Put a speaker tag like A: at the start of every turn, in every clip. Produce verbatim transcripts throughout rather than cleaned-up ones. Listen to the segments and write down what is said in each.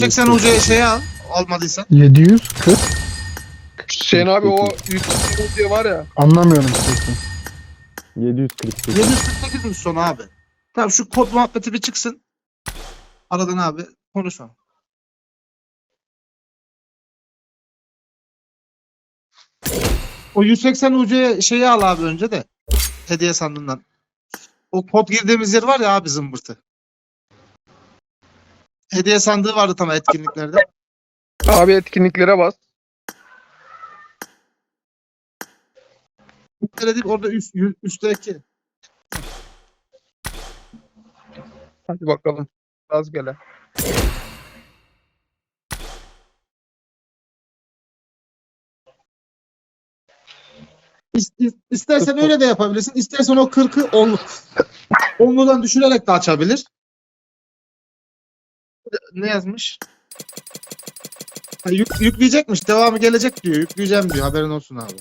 A: seksen ucuya şey al. Almadıysan.
B: yedi yüz kırk.
C: Hüseyin abi o yüz diye var ya.
B: Anlamıyorum sesini.
D: yedi yüz kırk sekiz.
A: yedi yüz kırk sekizmiş sonu abi. Tamam şu kod muhabbeti bir çıksın. Aradan abi konuşma. O yüz seksen ucuya şeyi al abi önce de. Hediye sandığından. O kod girdiğimiz yer var ya abi zımbırtı. Hediye sandığı vardı tam etkinliklerde.
C: Abi etkinliklere bas.
A: Öyle değil orada üst, ü- üstteki.
C: Hadi bakalım. Az gele.
A: İs- is- İstersen öyle de yapabilirsin. İstersen o kırkı on, onludan düşürerek de açabilir. Ne yazmış? Ha, yük- yükleyecekmiş. Devamı gelecek diyor. Yükleyeceğim diyor. Haberin olsun abi.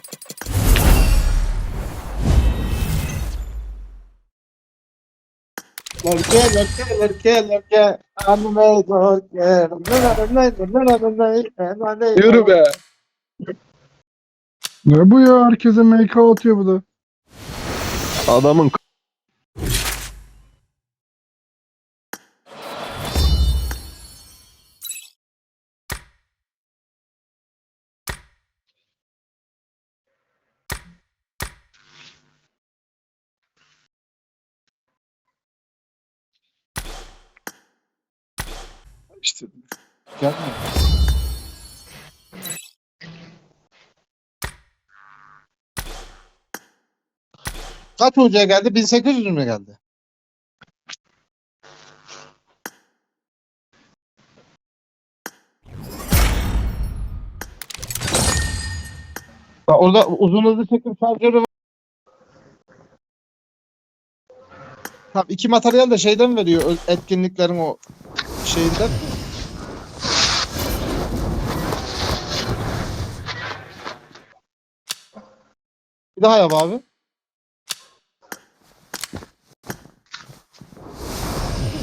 A: Lorke, lorke, lorke, lorke. Anne, lorke.
C: Yürü be.
B: Ne bu ya? Herkese M K atıyor bu da.
D: Adamın
A: İşte. Gelme. Kaç hocaya geldi? bin sekiz yüz mü geldi? Bak orada uzun hızlı çekim şarjörü var. Tamam, iki materyal de şeyden veriyor. ö- Etkinliklerin o şeyinden. Bir daha yap abi.